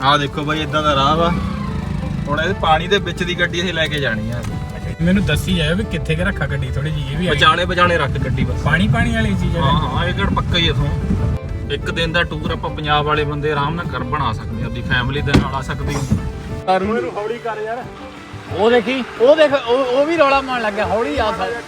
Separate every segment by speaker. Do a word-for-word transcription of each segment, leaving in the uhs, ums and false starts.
Speaker 1: ਆਹ ਦੇਖੋ ਬਾਈ ਇਦਾਂ ਦਾ ਰਾਹ ਵਾ। ਹੁਣ ਇਹ ਪਾਣੀ ਦੇ ਵਿੱਚ ਦੀ ਗੱਡੀ ਅਸੀਂ ਲੈ ਕੇ ਜਾਣੀ ਆ।
Speaker 2: ਮੈਨੂੰ ਦੱਸੀ ਜਾਏ ਵੀ ਕਿੱਥੇ ਕਿ ਰੱਖਾ ਗੱਡੀ ਥੋੜੀ ਜੀ ਇਹ ਵੀ
Speaker 1: ਵਿਚਾਲੇ ਵਿਚਾਲੇ ਰੱਖ ਗੱਡੀ ਬਸ।
Speaker 2: ਪਾਣੀ ਪਾਣੀ ਵਾਲੀ ਚੀਜ਼ ਹੈ।
Speaker 1: ਹਾਂ ਹਾਂ ਇਹ ਕਿਹੜਾ ਪੱਕਾ ਹੀ ਇਥੋਂ ਇੱਕ ਦਿਨ ਦਾ ਟੂਰ ਆਪਾਂ ਪੰਜਾਬ ਵਾਲੇ ਬੰਦੇ ਆਰਾਮ ਨਾਲ ਕਰ ਬਣਾ ਸਕਦੇ ਆ। ਆਪਣੀ ਫੈਮਿਲੀ ਦੇ ਨਾਲ ਆ ਸਕਦੇ ਆ।
Speaker 2: ਨੂੰ ਹੌਲੀ ਕਰ ਯਾਰ। ਉਹ ਦੇਖੀ ਉਹ ਦੇਖ ਉਹ ਵੀ ਰੌਲਾ ਮਾਰਨ ਲੱਗ ਗਿਆ। ਹੌਲੀ ਆ ਸਾ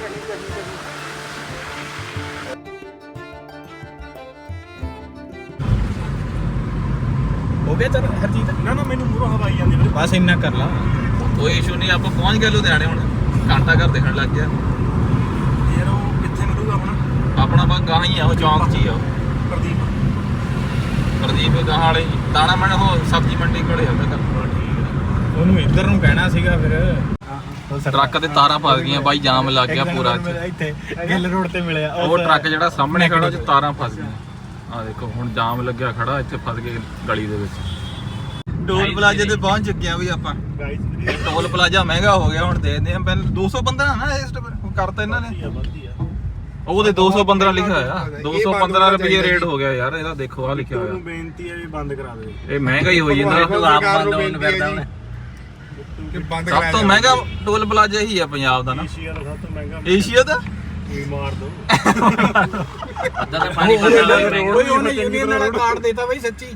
Speaker 2: ਹੋ ਗਿਆ ਚਲ ਹਰਜੀਤ।
Speaker 3: ਨਾ ਨਾ ਮੈਨੂੰ ਮੂਹਰੋਂ ਹਵਾ ਆਈ ਜਾਂਦੀ ਵੀਰੇ।
Speaker 2: ਬਸ ਇੰਨਾ ਕਰ ਲਾ
Speaker 1: ਕੋਈ ਇਸ਼ੂ ਨਹੀਂ। ਆਪਾਂ ਪਹੁੰਚ ਗਏ ਲੁਧਿਆਣੇ। ਹੁਣ ਘੰਟਾ ਘਰ ਦੇਖਣ ਲੱਗ ਗਿਆ
Speaker 3: ਯਾਰ ਉਹ ਕਿੱਥੇ ਮਿਲੂਗਾ ਆਪਣਾ?
Speaker 1: ਆਪਣਾ ਬਾ ਗਾਂ ਹੀ ਆ ਉਹ ਚੌਂਕ 'ਚ ਹੀ ਆ ਉਹ।
Speaker 3: ਪ੍ਰਦੀਪ
Speaker 1: ਪ੍ਰਦੀਪ ਗਾਂ ਵਾਲੇ ਦਾਣਾ ਮੰਡ ਉਹ ਸਬਜ਼ੀ ਮੰਡੀ ਕੋਲੇ ਆ ਉਹਦਾ ਘਰ।
Speaker 2: ਉਹਨੂੰ ਇੱਧਰ ਨੂੰ ਕਹਿਣਾ ਸੀਗਾ ਫਿਰ।
Speaker 1: ਟਰੱਕ ਤੇ ਤਾਰਾਂ ਫਸ ਗਈਆਂ ਬਾਈ। ਜਾਮ ਲੱਗ ਗਿਆ ਪੂਰਾ
Speaker 2: ਇੱਥੇ ਗਿੱਲ ਰੋਡ ਤੇ ਮਿਲਿਆ
Speaker 1: ਉਹ ਟਰੱਕ ਜਿਹੜਾ ਸਾਹਮਣੇ ਖੜਾ ਉਹ 'ਚ ਤਾਰਾਂ ਫਸ ਗਈਆਂ। ਆ ਦੇਖੋ ਹੁਣ ਜਾਮ ਲੱਗਿਆ ਖੜਾ ਇੱਥੇ ਫਸ ਗਏ ਗਲੀ ਦੇ ਵਿੱਚ। ਟੋਲ ਪਲਾਜ਼ੇ ਤੇ ਪਹੁੰਚ ਚੁੱਕੇ ਆ ਵੀ ਆਪਾਂ।
Speaker 3: ਗਾਈਸ
Speaker 1: ਟੋਲ ਪਲਾਜ਼ਾ ਮਹਿੰਗਾ ਹੋ ਗਿਆ ਹੁਣ ਦੇਖਦੇ ਆ। ਪਹਿਲਾਂ ਦੋ ਸੌ ਪੰਦਰਾਂ ਨਾ ਇਸ ਕਰਤਾ ਇਹਨਾਂ ਨੇ। ਉਹਦੇ ਦੋ ਸੌ ਪੰਦਰਾਂ ਲਿਖਿਆ ਹੋਇਆ। ਦੋ ਸੌ ਪੰਦਰਾਂ ਰੁਪਏ ਰੇਟ ਹੋ ਗਿਆ ਯਾਰ ਇਹਦਾ। ਦੇਖੋ ਆ ਲਿਖਿਆ ਹੋਇਆ।
Speaker 3: ਬੇਨਤੀ ਹੈ ਵੀ ਬੰਦ ਕਰਾ ਦੇ।
Speaker 1: ਇਹ ਮਹਿੰਗਾ ਹੀ ਹੋਈ ਜਾਂਦਾ।
Speaker 2: ਆਪ ਬੰਦ ਹੋਣ ਫਿਰਦਾ ਹੁਣ।
Speaker 1: ਸਭ ਤੋਂ ਮਹਿੰਗਾ ਟੋਲ ਪਲਾਜ਼ਾ ਹੀ ਆ ਪੰਜਾਬ ਦਾ ਨਾ।
Speaker 3: ਏਸ਼ੀਆ ਦਾ ਸਭ ਤੋਂ ਮਹਿੰਗਾ।
Speaker 1: ਏਸ਼ੀਆ ਦਾ
Speaker 3: ਵੀ ਮਾਰ ਦੋ।
Speaker 2: ਅੱਧਾ ਤਾਂ ਪਾਣੀ ਪਤਾ ਲੱਗ ਰਿਹਾ। ਓਏ ਉਹਨੇ ਯੂਨੀਅਨ ਵਾਲਾ ਕਾਰਡ ਦੇਤਾ ਬਈ ਸੱਚੀ।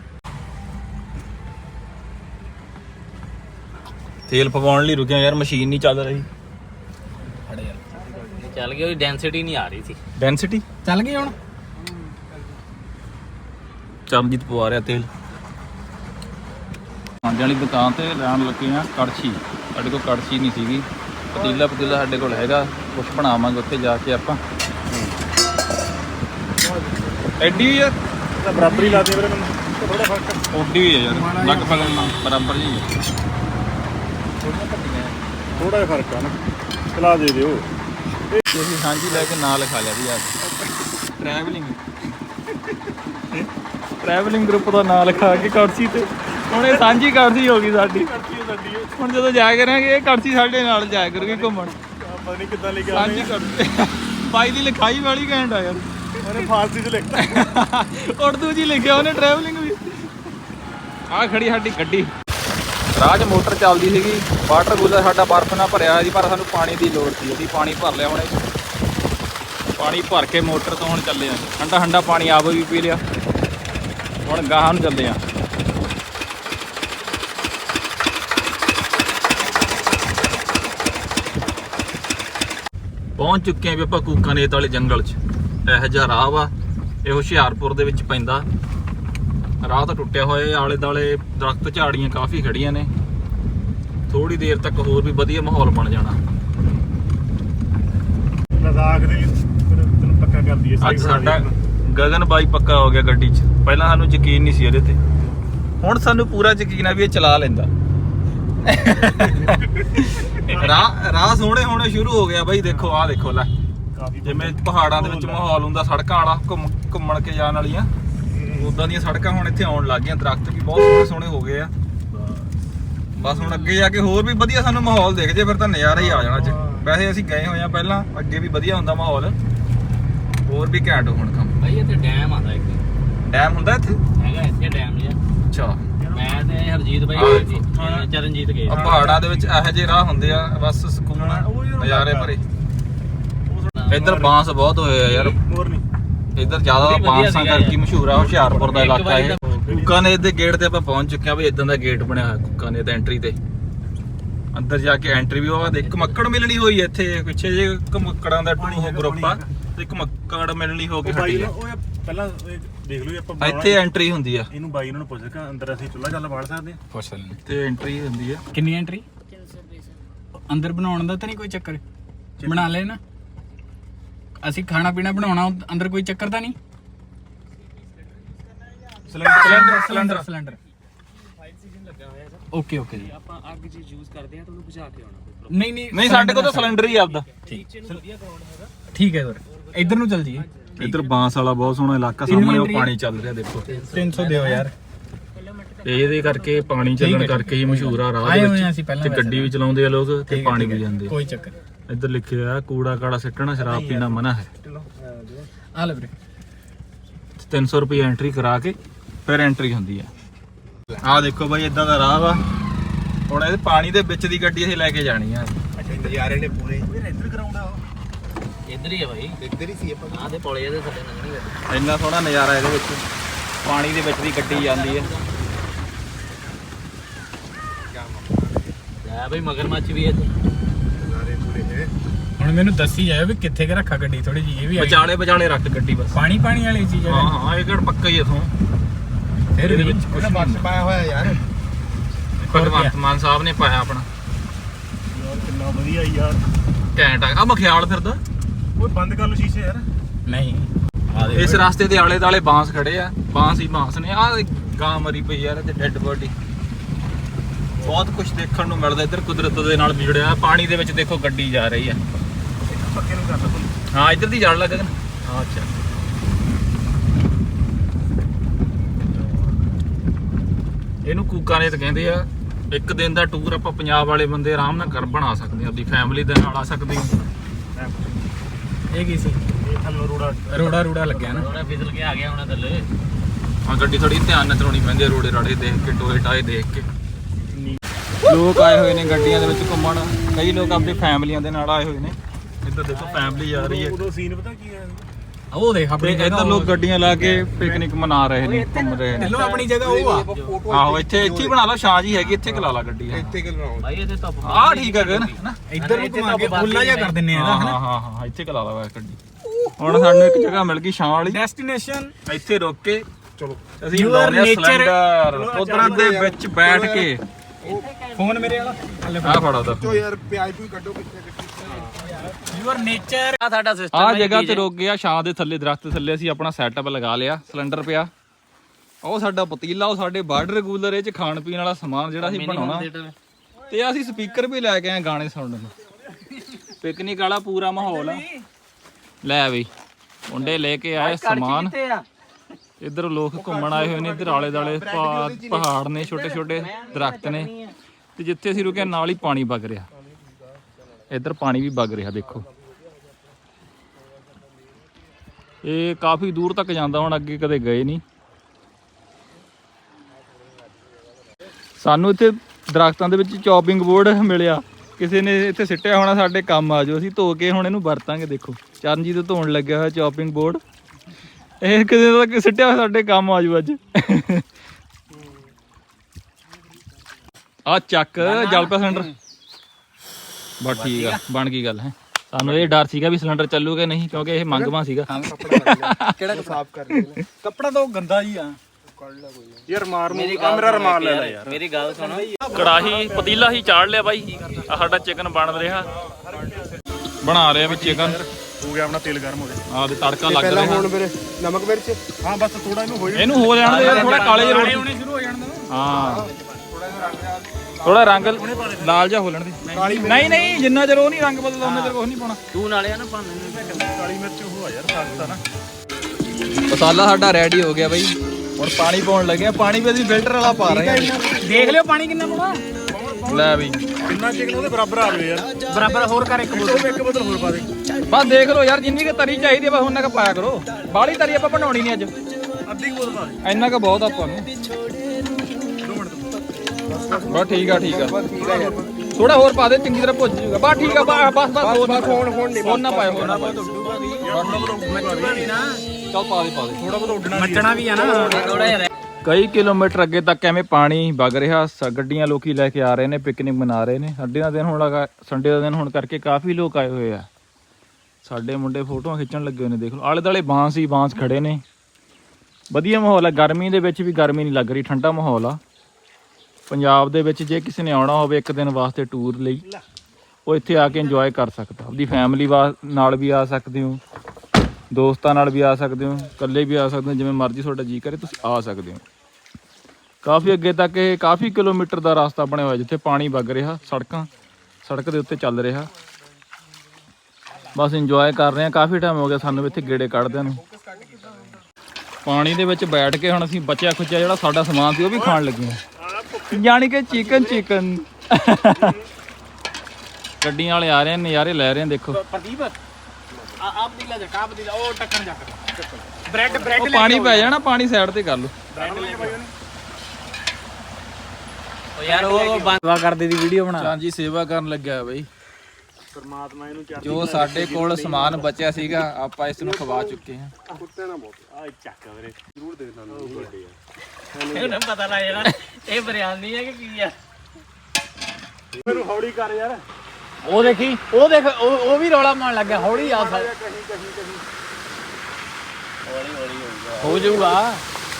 Speaker 1: ਤੇਲ ਪਵਾਉਣ ਲਈ ਰੁਕਿਆ ਯਾਰ। ਮਸ਼ੀਨ ਨਹੀਂ ਚੱਲ ਰਹੀ।
Speaker 2: ਫੜੇ ਯਾਰ ਚੱਲ ਗਈ। ਉਹਦੀ ਡੈਂਸਿਟੀ ਨਹੀਂ ਆ ਰਹੀ ਸੀ।
Speaker 1: ਡੈਂਸਿਟੀ
Speaker 2: ਚੱਲ ਗਈ ਹੁਣ।
Speaker 1: ਚਰਨਜੀਤ ਪਵਾ ਰਿਹਾ ਤੇਲ। ਖਾਂਦੇ ਵਾਲੀ ਦੁਕਾਨ ਤੇ ਲੈਣ ਲੱਗੇ ਆ ਕੜਛੀ। ਸਾਡੇ ਕੋਲ ਕੜਛੀ ਨਹੀਂ ਸੀਗੀ। ਪਤੀਲਾ ਪਤੀਲਾ ਸਾਡੇ ਕੋਲ ਹੈਗਾ। ਕੁਛ ਬਣਾਵਾਂਗੇ ਉੱਥੇ ਜਾ ਕੇ ਆਪਾਂ। ਐਡੀ ਵੀ ਯਾਰ
Speaker 3: ਬਰਾਬਰੀ ਲਾ ਦੇ ਵੀਰੇ ਮੈਨੂੰ। ਥੋੜਾ ਫਰਕ
Speaker 1: ਓਡੀ ਵੀ ਹੈ ਯਾਰ। ਲਗਭਗ ਬਰਾਬਰ ਜੀ ਹੈ।
Speaker 3: ਥੋੜਾ ਜਿਹਾ ਫਰਕ ਆ ਨਾ। ਚਲਾ ਦੇ ਦਿਓ।
Speaker 1: ਤੁਸੀਂ ਸਾਂਝੀ ਲੈ ਕੇ ਨਾਂ ਲਿਖਾ ਲਿਆ ਵੀ ਯਾਰ। ਟਰੈਵਲਿੰਗ ਟਰੈਵਲਿੰਗ ਗਰੁੱਪ ਦਾ ਨਾਂ ਲਿਖਾ ਕੇ ਕੜਛੀ ਤੇ। ਹੁਣ ਇਹ ਸਾਂਝੀ ਕੜਛੀ ਹੋ ਗਈ ਸਾਡੀ। ਹੁਣ ਜਦੋਂ ਜਾਇਆ ਕਰਾਂਗੇ ਇਹ ਕੜਛੀ ਸਾਡੇ ਨਾਲ ਜਾਇਆ ਕਰੂਗੀ ਘੁੰਮਣ।
Speaker 3: ਪਤਾ ਨਹੀਂ ਕਿੱਦਾਂ ਲਿਖਿਆ
Speaker 1: ਸਾਂਝੀ ਕੜਛੀ ਬਾਈ ਦੀ ਲਿਖਾਈ ਵਾਲੀ ਘੈਂਟ ਆ ਯਾਰ।
Speaker 3: ਉਹਨੇ ਫਾਰਸੀ 'ਚ ਲਿਖਤਾ।
Speaker 1: ਉਰਦੂ 'ਚ ਹੀ ਲਿਖਿਆ ਉਹਨੇ ਟਰੈਵਲਿੰਗ ਵੀ। ਆਹ ਖੜੀ ਸਾਡੀ ਗੱਡੀ। ਰਾਹ 'ਚ ਮੋਟਰ ਚੱਲਦੀ ਸੀਗੀ। ਵਾਟਰ ਕੂਲਰ ਸਾਡਾ ਬਰਫ਼ ਨਾਲ ਭਰਿਆ ਹੋਇਆ ਸੀ ਪਰ ਸਾਨੂੰ ਪਾਣੀ ਦੀ ਲੋੜ ਸੀ। ਅਸੀਂ ਪਾਣੀ ਭਰ ਲਿਆ। ਹੁਣ ਪਾਣੀ ਭਰ ਕੇ ਮੋਟਰ ਤੋਂ ਹੁਣ ਚੱਲੇ ਆ। ਠੰਡਾ ਠੰਡਾ ਪਾਣੀ ਆਪ ਵੀ ਪੀ ਲਿਆ। ਹੁਣ ਗਾਹਾਂ ਨੂੰ ਚੱਲਦੇ ਆ। ਪਹੁੰਚ ਚੁੱਕੇ ਆ ਵੀ ਆਪਾਂ ਕੂਕਾਨੇਤ ਵਾਲੇ ਜੰਗਲ 'ਚ। ਇਹੋ ਜਿਹਾ ਰਾਹ ਵਾ। ਇਹ ਹੁਸ਼ਿਆਰਪੁਰ ਦੇ ਵਿੱਚ ਪੈਂਦਾ। ਰਾਹ ਤਾਂ ਟੁੱਟਿਆ ਹੋਇਆ। ਆਲੇ ਦੁਆਲੇ ਦਰਖਤ ਝਾੜੀਆਂ ਕਾਫੀ ਖੜੀਆਂ ਨੇ। ਥੋੜੀ ਦੇਰ ਤੱਕ ਹੋਰ ਵੀ ਵਧੀਆ ਮਾਹੌਲ ਬਣ ਜਾਣਾ।
Speaker 3: ਲਦਾਖ ਦੇ ਤੈਨੂੰ ਪੱਕਾ ਕਰ ਦਈਏ।
Speaker 1: ਅੱਜ ਸਾਡਾ ਗਗਨ ਬਾਈ ਪੱਕਾ ਹੋ ਗਿਆ ਗੱਡੀ 'ਚ। ਪਹਿਲਾਂ ਸਾਨੂੰ ਯਕੀਨ ਨਹੀਂ ਸੀ ਇਹਦੇ ਤੇ। ਹੁਣ ਸਾਨੂੰ ਪੂਰਾ ਯਕੀਨ ਆ ਵੀ ਇਹ ਚਲਾ ਲੈਂਦਾ। ਰਾਹ ਰਾਹ ਸੋਹਣੇ ਹੋਣੇ ਸ਼ੁਰੂ ਹੋ ਗਿਆ ਬਾਈ। ਦੇਖੋ ਆਹ ਦੇਖੋ ਲੈ। ਜਿਵੇਂ ਪਹਾੜਾਂ ਦੇ ਵਿੱਚ ਮਾਹੌਲ ਹੁੰਦਾ ਸੜਕਾਂ ਵਾਲਾ ਘੁੰਮ ਘੁੰਮਣ ਕੇ ਜਾਣ ਵਾਲੀਆਂ ਉਦਾਂ ਦੀਆਂ ਸੜਕਾਂ ਹੁਣ ਇੱਥੇ ਆਉਣ ਲੱਗ ਗਈਆਂ। ਦਰਖਤ ਵੀ ਬਹੁਤ ਸੋਹਣੇ ਸੋਹਣੇ ਹੋ ਗਏ ਆ। ਬਸ ਹੁਣ ਅੱਗੇ ਜਾ ਕੇ ਹੋਰ ਵੀ ਵਧੀਆ ਸਾਨੂੰ ਮਾਹੌਲ ਦਿਖ ਜੇ ਫਿਰ ਤਾਂ ਨਜ਼ਾਰਾ ਹੀ ਆ ਜਾਣਾ। ਅੱਜ ਵੈਸੇ ਅਸੀਂ ਗਏ ਹੋਏ ਆ ਪਹਿਲਾਂ। ਅੱਗੇ ਵੀ ਵਧੀਆ ਹੁੰਦਾ ਮਾਹੌਲ। ਹੋਰ ਵੀ ਘੈਂਟ ਹੁਣ ਕੰਮ।
Speaker 2: ਭਾਈ ਇੱਥੇ ਡੈਮ ਆਉਂਦਾ ਇੱਕ।
Speaker 1: ਡੈਮ ਹੁੰਦਾ ਇੱਥੇ?
Speaker 2: ਹੈਗਾ ਇੱਥੇ ਡੈਮ ਜਿਹਾ।
Speaker 1: ਅੱਛਾ।
Speaker 2: ਮੈਂ ਤੇ ਹਰਜੀਤ ਭਾਈ ਜੀ ਚਰਨਜੀਤ ਗਏ।
Speaker 1: ਆ ਪਹਾੜਾਂ ਦੇ ਵਿੱਚ ਇਹੋ ਜਿਹੇ ਰਾਹ ਹੁੰਦੇ ਆ ਬਸ ਸਕੂਨ ਨਜ਼ਾਰੇ ਭਰੇ। ਇੱਧਰ ਬਾਂਸ ਬਹੁਤ ਹੋਏ ਆ ਯਾਰ।
Speaker 3: ਹੋਰ ਨਹੀਂ
Speaker 1: ਇੱਧਰ ਜ਼ਿਆਦਾ ਬਾਂਸਾਂ ਕਰਕੇ ਮਸ਼ਹੂਰ ਆ ਹੁਸ਼ਿਆਰਪੁਰ ਦਾ ਇਲਾਕਾ ਇਹ। ਕੂਕਾਨੇਤ ਦੇ ਗੇਟ ਤੇ ਆਪਾਂ ਪਹੁੰਚ ਚੁੱਕੇ ਆ ਵੀ ਇਦਾਂ ਦਾ ਗੇਟ ਬਣਿਆ ਹੋਇਆ ਕੂਕਾਨੇਤ ਐਂਟਰੀ ਤੇ। ਅੰਦਰ ਜਾ ਕੇ ਐਂਟਰੀ ਵੀ ਉਹ ਇੱਕ ਮੱਕੜ ਮਿਲਣੀ ਹੋਈ ਹੈ ਇੱਥੇ। ਪਿੱਛੇ ਜੇ ਮੱਕੜਾਂ ਦਾ ਗਰੁੱਪ ਆ ਤੇ ਇੱਕ ਮੱਕੜ ਮਿਲਣੀ ਹੋ ਕੇ ਹਟੀ ਆ।
Speaker 3: ਪਹਿਲਾਂ ਦੇਖ ਲਓ ਆਪਾਂ
Speaker 1: ਇੱਥੇ ਐਂਟਰੀ ਹੁੰਦੀ ਆ।
Speaker 3: ਇਹਨੂੰ ਬਾਈ ਨੂੰ ਪੁੱਛ ਕੇ ਅੰਦਰ ਅਸੀਂ ਚੁੱਲ੍ਹਾ ਚੱਲ ਬਾੜ ਸਕਦੇ ਆ।
Speaker 1: ਪੁੱਛ ਲੈ ਤੇ ਐਂਟਰੀ ਹੁੰਦੀ ਆ।
Speaker 2: ਕਿੰਨੀ ਐਂਟਰੀ? ਅੰਦਰ ਬਣਾਉਣ ਦਾ ਤਾਂ ਨਹੀਂ ਕੋਈ ਚੱਕਰ? ਬਣਾ ਲੈ ਨਾ। ਅਸੀਂ ਖਾਣਾ ਪੀਣਾ ਬਣਾਉਣਾ ਅੰਦਰ ਕੋਈ ਚੱਕਰ ਤਾਂ ਨਹੀਂ?
Speaker 1: Cylinder cylinder
Speaker 2: cylinder okay okay ਜੀ।
Speaker 4: ਆਪਾਂ ਅੱਗ ਜੀ ਯੂਜ਼ ਕਰਦੇ ਆ ਤਾਂ ਉਹਨੂੰ ਬੁਝਾ ਕੇ ਆਉਣਾ।
Speaker 2: ਨਹੀਂ ਨਹੀਂ
Speaker 1: ਨਹੀਂ ਸਾਡੇ ਕੋਲ ਤਾਂ ਸਿਲੰਡਰ ਹੀ ਆਪਦਾ।
Speaker 2: ਠੀਕ ਠੀਕ ਹੈ। ਇੱਧਰ ਨੂੰ ਚੱਲ ਜੀਏ।
Speaker 1: ਇੱਧਰ ਬਾਂਸ ਵਾਲਾ ਬਹੁਤ ਸੋਹਣਾ ਇਲਾਕਾ। ਸਾਹਮਣੇ ਉਹ ਪਾਣੀ ਚੱਲ ਰਿਹਾ ਦੇਖੋ।
Speaker 2: ਤਿੰਨ ਸੌ ਦਿਓ ਯਾਰ।
Speaker 1: ਇਹਦੇ ਕਰਕੇ ਪਾਣੀ ਚੱਲਣ ਕਰਕੇ ਹੀ ਮਸ਼ਹੂਰ ਆ ਰਾਹ ਦੇ ਵਿੱਚ। ਤੇ ਗੱਡੀ ਵੀ ਚਲਾਉਂਦੇ ਆ ਲੋਕ ਤੇ ਪਾਣੀ ਵੀ ਜਾਂਦੇ।
Speaker 2: ਕੋਈ ਚੱਕਰ।
Speaker 1: ਇੱਧਰ ਲਿਖਿਆ ਕੂੜਾ ਕਾੜਾ ਸਿੱਟਣਾ ਸ਼ਰਾਬ ਪੀਣਾ ਮਨਾ ਹੈ।
Speaker 2: ਆ ਲੈ ਵੀਰੇ।
Speaker 1: ਤਿੰਨ ਸੌ ਰੁਪਏ ਐਂਟਰੀ ਕਰਾ ਕੇ ਫਿਰ ਐਂਟਰੀ ਹੁੰਦੀ ਆ। ਆਹ ਦੇਖੋ ਬਾਈ ਇਦਾਂ ਦਾ ਰਾਹ ਵਾ। ਹੁਣ ਇਹ ਪਾਣੀ ਦੇ ਵਿੱਚ ਦੀ ਗੱਡੀ ਅਸੀਂ ਲੈ ਕੇ ਜਾਣੀ ਆ।
Speaker 3: ਅੱਛਾ ਨਜ਼ਾਰੇ ਨੇ ਪੂਰੇ ਇੱਧਰ ਗਰਾਊਂਡ ਆ
Speaker 4: ਇੱਧਰ ਹੀ ਆ ਭਾਈ,
Speaker 3: ਇੱਧਰ ਹੀ ਸੀ ਆਪਾਂ
Speaker 4: ਆਹ ਦੇ ਪੌਲੇ ਦੇ ਥੱਲੇ ਲੰਘਣੀ ਗੱਡੀ।
Speaker 1: ਇੰਨਾ ਸੋਹਣਾ ਨਜ਼ਾਰਾ ਇਹਦੇ ਵਿੱਚ, ਪਾਣੀ ਦੇ ਵਿੱਚ ਦੀ ਗੱਡੀ ਜਾਂਦੀ ਹੈ।
Speaker 4: ਲੈ ਭਾਈ ਮਗਰਮੱਛ ਵੀ ਇੱਥੇ
Speaker 3: ਨਜ਼ਾਰੇ ਪੂਰੇ ਨੇ।
Speaker 2: ਹੁਣ ਮੈਨੂੰ ਦੱਸੀ ਜਾਇਓ ਵੀ ਕਿੱਥੇ ਕਿ ਰੱਖਾ ਗੱਡੀ ਥੋੜੀ ਜੀ ਇਹ ਵੀ
Speaker 1: ਵਿਚਾਲੇ ਵਿਚਾਲੇ ਰੱਖ ਗੱਡੀ ਬਸ।
Speaker 2: ਪਾਣੀ ਪਾਣੀ ਵਾਲੀ ਚੀਜ਼ ਹੈ।
Speaker 1: ਹਾਂ ਹਾਂ ਇਹ ਕਿਹੜਾ ਪੱਕਾ ਹੀ ਇਥੋਂ।
Speaker 2: ਫਿਰ
Speaker 1: ਇਹਦੇ
Speaker 2: ਵੀ
Speaker 1: ਵਿੱਚ
Speaker 3: ਉਹਦਾ ਬਾਕਸ ਪਾਇਆ ਹੋਇਆ ਯਾਰ।
Speaker 1: ਭਗਵੰਤ ਮਾਨ ਸਾਹਿਬ ਨੇ ਪਾਇਆ ਆਪਣਾ
Speaker 3: ਯਾਰ ਕਿੰਨਾ ਵਧੀਆ ਯਾਰ।
Speaker 1: ਘੈਂਟ ਆ। ਆ ਮਖਿਆਲ ਫਿਰਦਾ।
Speaker 3: ਓਏ ਬੰਦ ਕਰ ਲੋ ਸ਼ੀਸ਼ੇ ਯਾਰ।
Speaker 2: ਨਹੀਂ
Speaker 1: ਇਸ ਰਸਤੇ ਦੇ ਆਲੇ ਦਾਲੇ ਬਾਂਸ ਖੜੇ ਆ, ਬਾਂਸ ਹੀ ਬਾਂਸ ਨੇ। ਆ ਗਾਂ ਮਰੀ ਪਈ ਯਾਰ ਤੇ ਡੈੱਡ ਬੋਡੀ। ਬਹੁਤ ਕੁਝ ਦੇਖਣ ਨੂੰ ਮਿਲਦਾ ਇੱਧਰ, ਕੁਦਰਤ ਦੇ ਨਾਲ ਵਿਗੜਿਆ। ਪਾਣੀ ਦੇ ਵਿੱਚ ਦੇਖੋ ਗੱਡੀ ਜਾ ਰਹੀ ਆ।
Speaker 3: ਪੱਕੇ ਨੂੰ ਕਰ ਲੋ।
Speaker 1: ਹਾਂ ਇੱਧਰ ਦੀ ਜਾਣ ਲੱਗਾ ਹਾਂ। ਅੱਛਾ ਇਹਨੂੰ ਕੂਕਾਂ ਨੇ ਤਾਂ ਕਹਿੰਦੇ ਆ। ਇੱਕ ਦਿਨ ਦਾ ਟੂਰ ਆਪਾਂ ਪੰਜਾਬ ਵਾਲੇ ਬੰਦੇ ਆਰਾਮ ਨਾਲ ਕਰ ਬਣਾ ਸਕਦੇ ਆ, ਆਪਣੀ ਫੈਮਿਲੀ ਦੇ ਨਾਲ ਆ ਸਕਦੇ ਹਾਂ।
Speaker 2: ਇਹ ਕੀ ਸੀ?
Speaker 3: ਇਹ ਥੱਲੋਂ ਰੋੜਾ
Speaker 2: ਰੋੜਾ ਰੂੜਾ ਲੱਗਿਆ ਨਾ।
Speaker 4: ਉਹਨੇ ਫਿਸਲ ਕੇ ਆ ਗਿਆ ਹੁਣ ਥੱਲੇ।
Speaker 1: ਹਾਂ ਗੱਡੀ ਥੋੜੀ ਧਿਆਨ ਨਾਲ ਚਲਾਉਣੀ ਪੈਂਦੀ ਹੈ, ਰੋੜੇ ਰਾੜੇ ਦੇਖ ਕੇ, ਟੋਏ ਟਾਏ ਦੇਖ ਕੇ। ਲੋਕ ਆਏ ਹੋਏ ਨੇ ਗੱਡੀਆਂ ਦੇ ਵਿੱਚ ਘੁੰਮਣ। ਕਈ ਲੋਕ ਆਪਣੀ ਫੈਮਲੀਆਂ ਦੇ ਨਾਲ ਆਏ ਹੋਏ ਨੇ। ਇੱਧਰ ਦੇਖੋ ਫੈਮਿਲੀ ਜਾ ਰਹੀ ਹੈ।
Speaker 3: ਉਦੋਂ ਸੀਨ ਪਤਾ ਕੀ ਹੈ?
Speaker 2: ਉਹ ਦੇਖ
Speaker 1: ਤੇ
Speaker 2: ਆਪਣੀ ਜਗ੍ਹਾ।
Speaker 1: ਇੱਧਰ ਲੋਕ ਗੱਡੀਆਂ ਲਾ ਕੇ ਪਿਕਨਿਕ ਮਨਾ ਰਹੇ ਨੇ, ਘੁੰਮ ਰਹੇ ਨੇ।
Speaker 2: ਲੋ ਆਪਣੀ ਜਗ੍ਹਾ ਉਹ ਆ।
Speaker 1: ਆਹੋ ਇੱਥੇ ਇੱਥੇ ਹੀ ਬਣਾ ਲਾ, ਛਾਂ ਜੀ ਹੈਗੀ ਇੱਥੇ ਕਲਾ ਲਾ ਗੱਡੀ।
Speaker 3: ਇੱਥੇ ਕਿਲ ਰਾਉਂਡ
Speaker 4: ਭਾਈ ਇਹਦੇ ਧੁੱਪ
Speaker 1: ਆਹ ਠੀਕ ਹੈ ਨਾ।
Speaker 2: ਇੱਧਰ ਨੂੰ ਘੁਮਾ ਕੇ ਉੱਲਾ ਜਿਹਾ ਕਰ ਦਿੰਨੇ ਆ
Speaker 1: ਹਾਂ
Speaker 2: ਇਹਦਾ
Speaker 1: ਹਾਂ ਹਾਂ ਹਾਂ ਇੱਥੇ ਕਲਾ ਲਾ ਗੱਡੀ। ਹੁਣ ਸਾਨੂੰ ਇੱਕ ਜਗ੍ਹਾ ਮਿਲ ਗਈ ਛਾਂ ਵਾਲੀ,
Speaker 2: ਡੈਸਟੀਨੇਸ਼ਨ।
Speaker 1: ਇੱਥੇ ਰੁਕ ਕੇ
Speaker 3: ਚਲੋ
Speaker 1: ਅਸੀਂ
Speaker 2: Your
Speaker 1: ਲਾਉਣੇ ਆ
Speaker 2: nature-
Speaker 1: ਸਿਲੰਡਰ ਕੁਦਰਤ ਦੇ ਵਿੱਚ ਬੈਠ ਕੇ।
Speaker 2: ਫੋਨ ਮੇਰੇ ਵਾਲਾ
Speaker 1: ਆਹ ਫੜਾ ਦੋ।
Speaker 3: ਚੋ ਯਾਰ ਪਿਆਜ ਵੀ ਕੱਢੋ ਕਿੱਥੇ ਕਿੱਥੇ।
Speaker 2: Your nature.
Speaker 4: ਆ ਸਾਡਾ ਸਿਸਟਮ
Speaker 1: ਆਹ ਜਗ੍ਹਾ ਤੇ ਰੁਕ ਗਿਆ, ਛਾਂ ਦੇ ਥੱਲੇ, ਦਰਖਤ ਥੱਲੇ ਅਸੀਂ ਆਪਣਾ ਸੈਟਅਪ ਲਗਾ ਲਿਆ। ਸਿਲੰਡਰ ਪਿਆ, ਉਹ ਸਾਡਾ ਪਤੀਲਾ, ਉਹ ਸਾਡੇ ਵਾਟਰ ਕੂਲਰ, ਇਹ ਚ ਖਾਣ ਪੀਣ ਵਾਲਾ ਸਮਾਨ ਜਿਹੜਾ ਅਸੀਂ ਬਣਾਉਣਾ। ਤੇ ਅਸੀਂ ਸਪੀਕਰ ਵੀ ਲੈ ਕੇ ਆਏ ਗਾਣੇ ਸੁਣਨ ਨੂੰ। ਪਿਕਨਿਕ ਵਾਲਾ ਪੂਰਾ ਮਾਹੌਲ ਆ। ਲੈ ਬਈ ਮੁੰਡੇ ਲੈ ਕੇ ਆਏ ਸਮਾਨ। ਇੱਧਰ ਲੋਕ ਘੁੰਮਣ ਆਏ ਹੋਏ ਨੇ। ਇੱਧਰ ਆਲੇ ਦਾਲੇ ਪਹਾੜ ਨੇ, ਛੋਟੇ ਛੋਟੇ ਦਰਖਤ ਨੇ, ਤੇ ਜਿੱਥੇ ਅਸੀਂ ਰੁਕੇ ਨਾਲ ਹੀ ਪਾਣੀ ਵਗ ਰਿਹਾ। ਇੱਧਰ ਪਾਣੀ ਵੀ ਵਗ ਰਿਹਾ ਦੇਖੋ। ਇਹ ਕਾਫੀ ਦੂਰ ਤੱਕ ਜਾਂਦਾ, ਹੁਣ ਅੱਗੇ ਕਦੇ ਗਏ ਨਹੀਂ। ਸਾਨੂੰ ਇੱਥੇ ਦਰਖਤਾਂ ਦੇ ਵਿੱਚ ਚੌਪਿੰਗ ਬੋਰਡ ਮਿਲਿਆ, ਕਿਸੇ ਨੇ ਇੱਥੇ ਸਿੱਟਿਆ ਹੋਣਾ, ਸਾਡੇ ਕੰਮ ਆ ਜਾਓ। ਅਸੀਂ ਧੋ ਕੇ ਹੁਣ ਇਹਨੂੰ ਵਰਤਾਂਗੇ। ਦੇਖੋ ਚਰਨਜੀਤ ਤੋਂ ਧੋਣ ਲੱਗਿਆ ਹੋਇਆ ਚੌਪਿੰਗ ਬੋਰਡ। ਇਹ ਕਿਸੇ ਦਾ ਸਿੱਟਿਆ ਹੋਇਆ, ਸਾਡੇ ਕੰਮ ਆ ਜਾਊ ਅੱਜ। ਆ ਚੱਕ ਜਲ ਪਿਆ ਸਿਲੰਡਰ। ਬਸ ਠੀਕ ਆ, ਬਣ ਗਈ ਗੱਲ ਹੈ। ਸਾਨੂੰ ਇਹ ਡਰ ਸੀਗਾ ਵੀ ਸਿਲੰਡਰ ਚੱਲੂਗਾ ਨਹੀਂ, ਕਿਉਂਕਿ ਇਹ ਮੰਗਵਾ ਸੀਗਾ।
Speaker 3: ਕਿਹੜਾ ਸਾਫ਼ ਕਰ ਲੈ।
Speaker 2: ਕੱਪੜਾ ਤਾਂ ਗੰਦਾ ਜੀ ਆ।
Speaker 3: ਯਾਰ ਮਾਰ ਮੂੰਹ ਆ ਮੇਰਾ ਰਮਾਲ ਲੈ ਲੈ ਯਾਰ।
Speaker 4: ਮੇਰੀ ਗੱਲ ਸੁਣੋ।
Speaker 1: ਕੜਾਹੀ ਪਤੀਲਾ ਹੀ ਚਾੜ ਲਿਆ ਬਾਈ। ਆ ਸਾਡਾ ਚਿਕਨ ਬਣ ਰਿਹਾ, ਬਣਾ ਰਿਹਾ ਵੀ ਚਿਕਨ।
Speaker 3: ਹੋ ਗਿਆ ਆਪਣਾ ਤੇਲ ਗਰਮ ਹੋ ਗਿਆ।
Speaker 1: ਆਹ ਤੇ ਤੜਕਾ ਲੱਗ ਰਿਹਾ।
Speaker 3: ਹੁਣ ਵੀਰੇ ਨਮਕ ਮਿਰਚ। ਹਾਂ ਬਸ ਥੋੜਾ ਇਹਨੂੰ ਹੋ ਜਾਏ।
Speaker 1: ਇਹਨੂੰ ਹੋ ਜਾਣ ਦੇ, ਥੋੜਾ ਕਾਲੇ ਜਿਹੇ
Speaker 2: ਕਾਲੇ ਹੋਣੇ ਸ਼ੁਰੂ ਹੋ ਜਾਣ ਦੋ।
Speaker 1: ਹਾਂ ਥੋੜਾ ਰੰਗ ਲਾਲ ਜਿਹਾ ਹੋ ਲੈਣ ਦੇ। ਨਹੀਂ ਨਹੀਂ ਜਿੰਨਾ ਚਿਰ ਉਹ ਨਹੀਂ ਰੰਗ ਬਦਲਦਾ ਉਹਨਾਂ ਚਿਰ ਕੁਝ ਨਹੀਂ ਪਾਉਣਾ।
Speaker 4: ਤੂੰ ਨਾਲੇ ਆ ਨਾ ਭਾਵੇਂ
Speaker 3: ਕਾਲੀ ਮਿਰਚ ਉਹ ਆ ਯਾਰ ਸਾਖਤਾ ਨਾ।
Speaker 1: ਮਸਾਲਾ ਸਾਡਾ ਰੈਡੀ ਹੋ ਗਿਆ ਬਾਈ। ਹੁਣ ਪਾਣੀ ਪਾਉਣ ਲੱਗੇ ਆ। ਪਾਣੀ ਵੀ ਅਸੀਂ ਫਿਲਟਰ ਵਾਲਾ ਪਾ ਰਹੇ ਹਾਂ।
Speaker 2: ਦੇਖ ਲਿਓ ਪਾਣੀ ਕਿੰਨਾ ਪਾਉਣਾ।
Speaker 1: ਲੈ ਬਈ
Speaker 3: ਕਿੰਨਾ ਚਿਕਨ ਉਹਦੇ ਬਰਾਬਰ ਆ ਜਾਵੇ ਯਾਰ।
Speaker 2: ਬਰਾਬਰ ਹੋਰ ਕਰ ਇੱਕ ਬੋਤਲ।
Speaker 3: ਇੱਕ ਬੋਤਲ ਹੋਰ ਪਾ ਦੇ।
Speaker 1: ਬਸ ਦੇਖ ਲਓ ਯਾਰ, ਜਿੰਨੀ ਕੁ ਤਰੀ ਚਾਹੀਦੀ ਆ ਬਸ ਉਹਨਾਂ ਕੁ ਪਾਇਆ ਕਰੋ। ਬਾਹਲੀ ਤਰੀ ਆਪਾਂ ਬਣਾਉਣੀ ਨਹੀਂ ਅੱਜ,
Speaker 3: ਅੱਧੀ ਕੁ ਬੋਤਲ ਪਾ ਦੇ।
Speaker 1: ਇੰਨਾ ਕੁ ਬਹੁਤ ਆਪਾਂ ਨੂੰ। ਬਸ ਠੀਕ ਆ ਠੀਕ ਆ, ਥੋੜਾ ਹੋਰ ਪਾ ਦੇ, ਚੰਗੀ ਤਰ੍ਹਾਂ ਭੁੱਜ ਜੂਗਾ। ਬਸ ਠੀਕ ਆ, ਬਸ ਬਸ ਬਸ ਹੋਰ
Speaker 3: ਹੁਣ ਹੁਣ ਨਹੀਂ
Speaker 1: ਹੋਰ ਨਾ ਪਾਇਓ, ਹੋਰ ਨਾ ਪਾਇਓ। ਚੱਲ ਪਾ ਦੇ ਪਾ ਦੇ।
Speaker 3: ਥੋੜਾ ਬਹੁਤ ਉੱਡਣਾ
Speaker 2: ਮੱਚਣਾ ਵੀ ਆ ਨਾ
Speaker 4: ਥੋੜਾ ਜਿਹਾ।
Speaker 1: ਕਈ ਕਿਲੋਮੀਟਰ ਅੱਗੇ ਤੱਕ ਐਵੇਂ ਪਾਣੀ ਵਗ ਰਿਹਾ। ਸ- ਗੱਡੀਆਂ ਲੋਕੀ ਲੈ ਕੇ ਆ ਰਹੇ ਨੇ, ਪਿਕਨਿਕ ਮਨਾ ਰਹੇ ਨੇ। ਸੰਡੇ ਦਾ ਦਿਨ ਹੁਣ ਲਗਾ, ਸੰਡੇ ਦਾ ਦਿਨ ਹੋਣ ਕਰਕੇ ਕਾਫੀ ਲੋਕ ਆਏ ਹੋਏ ਆ। ਸਾਡੇ ਮੁੰਡੇ ਫੋਟੋਆਂ ਖਿੱਚਣ ਲੱਗੇ ਹੋਏ ਨੇ। ਦੇਖ ਲਓ ਆਲੇ ਦੁਆਲੇ ਬਾਂਸ ਹੀ ਬਾਂਸ ਖੜੇ ਨੇ। ਵਧੀਆ ਮਾਹੌਲ ਆ। ਗਰਮੀ ਦੇ ਵਿੱਚ ਵੀ ਗਰਮੀ ਨਹੀਂ ਲੱਗ ਰਹੀ, ਠੰਡਾ ਮਾਹੌਲ ਆ। ਪੰਜਾਬ ਦੇ ਵਿੱਚ ਜੇ ਕਿਸੇ ਨੇ ਆਉਣਾ ਹੋਵੇ ਇੱਕ ਦਿਨ ਵਾਸਤੇ ਟੂਰ ਲਈ, ਉਹ ਇੱਥੇ ਆ ਕੇ ਇੰਜੋਏ ਕਰ ਸਕਦਾ। ਆਪਣੀ ਫੈਮਿਲੀ ਨਾਲ ਵੀ ਆ ਸਕਦੇ ਹੋ, ਦੋਸਤਾਂ ਨਾਲ ਵੀ ਆ ਸਕਦੇ ਹੋ, ਇਕੱਲੇ ਵੀ ਆ ਸਕਦੇ ਹੋ, ਜਿਵੇਂ ਮਰਜ਼ੀ ਤੁਹਾਡਾ ਜੀ ਕਰੇ ਤੁਸੀਂ ਆ ਸਕਦੇ ਹੋ। ਕਾਫੀ ਅੱਗੇ ਤੱਕ ਇਹ ਕਾਫੀ ਕਿਲੋਮੀਟਰ ਦਾ ਰਸਤਾ ਬਣਿਆ ਹੋਇਆ, ਜਿੱਥੇ ਪਾਣੀ ਵਗ ਰਿਹਾ, ਸੜਕਾਂ ਸੜਕ ਦੇ ਉੱਤੇ ਚੱਲ ਰਿਹਾ। ਬਸ ਇੰਜੋਏ ਕਰ ਰਹੇ ਹਾਂ। ਕਾਫੀ ਟਾਈਮ ਹੋ ਗਿਆ ਸਾਨੂੰ ਇੱਥੇ ਗੇੜੇ ਕੱਢਦਿਆਂ ਨੂੰ। ਪਾਣੀ ਦੇ ਵਿੱਚ ਬੈਠ ਕੇ ਹੁਣ ਅਸੀਂ ਬਚਿਆ ਖੁਚਿਆ ਜਿਹੜਾ ਸਾਡਾ ਸਮਾਨ ਸੀ ਉਹ ਵੀ ਖਾਣ ਲੱਗੇ ਹਾਂ, ਯਾਨੀ ਕਿ ਚਿਕਨ ਚਿਕਨ ਗੱਡੀਆਂ ਵਾਲੇ ਆ ਰਹੇ ਨੇ, ਨਜ਼ਾਰੇ ਲੈ ਰਹੇ ਨੇ। ਦੇਖੋ
Speaker 2: ਪ੍ਰਦੀਪ ਆਪ ਦੀ ਲੈ ਜਾ, ਕਾਪ ਦੀ ਉਹ ਟੱਕਣ ਜਾ ਬ੍ਰੈਡ ਬ੍ਰੈਡ
Speaker 1: ਉਹ ਪਾਣੀ ਪੈ ਜਾਣਾ, ਪਾਣੀ ਸਾਈਡ ਤੇ ਕਰ ਲਓ।
Speaker 4: ਉਹ ਯਾਰ ਉਹ
Speaker 2: ਸੇਵਾ ਕਰਦੇ ਦੀ ਵੀਡੀਓ ਬਣਾ
Speaker 1: ਚਾਂਜੀ ਸੇਵਾ ਕਰਨ ਲੱਗਿਆ ਬਈ
Speaker 3: ਪਰਮਾਤਮਾ ਇਹਨੂੰ ਚੜ੍ਹਦੀ
Speaker 1: ਜੋ ਸਾਡੇ ਕੋਲ ਸਮਾਨ ਬਚਿਆ ਸੀਗਾ ਆਪਾਂ ਇਸ ਨੂੰ ਖਵਾ ਚੁੱਕੇ ਹਾਂ
Speaker 3: ਕੁੱਤੇ ਨਾ ਬਹੁਤ ਆ ਚੱਕ ਵੀਰੇ ਜ਼ਰੂਰ ਦੇ ਦਾਂ ਵੱਡੇ ਆ
Speaker 4: ਇਹਨੂੰ ਪਤਾ ਲੱਗ ਜਾਣਾ ਇਹ ਬਿਰਿਆਨੀ ਹੈ ਕਿ ਕੀ ਆ
Speaker 3: ਮੈਨੂੰ ਹੌਲੀ ਕਰ ਯਾਰ
Speaker 2: ਉਹ ਦੇਖੀ ਉਹ ਦੇਖ ਉਹ ਉਹ ਵੀ ਰੌਲਾ ਮਾਰਨ ਲੱਗਿਆ ਹੌਲੀ ਆ
Speaker 3: ਕਹੀਂ ਕਹੀਂ ਕਹੀਂ
Speaker 4: ਹੌਲੀ ਹੌਲੀ ਹੋਊਗਾ
Speaker 2: ਹੋ ਜਾਊਗਾ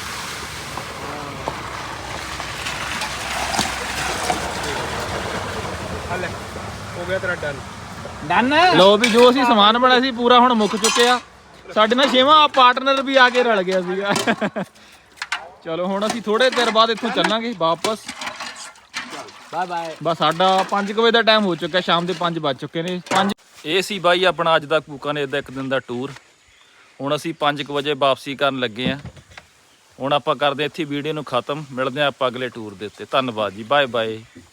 Speaker 3: ਹਲੇ ਹੋ ਗਿਆ ਤੇਰਾ ਡਨ
Speaker 2: ਡਨ
Speaker 1: ਲੋ ਵੀ ਜੋ ਅਸੀਂ ਸਮਾਨ ਬਣਾਇਆ ਸੀ ਪੂਰਾ ਹੁਣ ਮੁੱਕ ਚੁੱਕਿਆ ਸਾਡੇ ਨਾਲ ਛੇਵਾਂ ਪਾਰਟਨਰ ਵੀ ਆ ਕੇ ਰਲ ਗਿਆ ਸੀਗਾ ਚਲੋ ਹੁਣ ਅਸੀਂ ਥੋੜੇ ਦੇਰ ਬਾਅਦ ਇੱਥੋਂ ਚੱਲਾਂਗੇ ਵਾਪਸ
Speaker 2: ਬਾਏ ਬਾਏ
Speaker 1: ਬਸ ਸਾਡਾ ਪੰਜ ਕੁ ਵਜੇ ਦਾ ਟਾਈਮ ਹੋ ਚੁੱਕਾ ਸ਼ਾਮ ਦੇ ਪੰਜ ਵੱਜ ਚੁੱਕੇ ਨੇ ਪੰਜ ਇਹ ਸੀ ਬਾਈ ਆਪਣਾ ਅੱਜ ਦਾ ਕੂਕਾਨੇਰ ਦਾ ਇੱਕ ਦਿਨ ਦਾ ਟੂਰ ਹੁਣ ਅਸੀਂ ਪੰਜ ਕੁ ਵਜੇ ਵਾਪਸੀ ਕਰਨ ਲੱਗੇ ਆ ਹੁਣ ਆਪਾਂ ਕਰਦੇ ਇੱਥੇ ਵੀਡੀਓ ਨੂੰ ਖਤਮ ਮਿਲਦੇ ਆ ਆਪਾਂ ਅਗਲੇ ਟੂਰ ਦੇ ਉੱਤੇ ਧੰਨਵਾਦ ਜੀ ਬਾਏ ਬਾਏ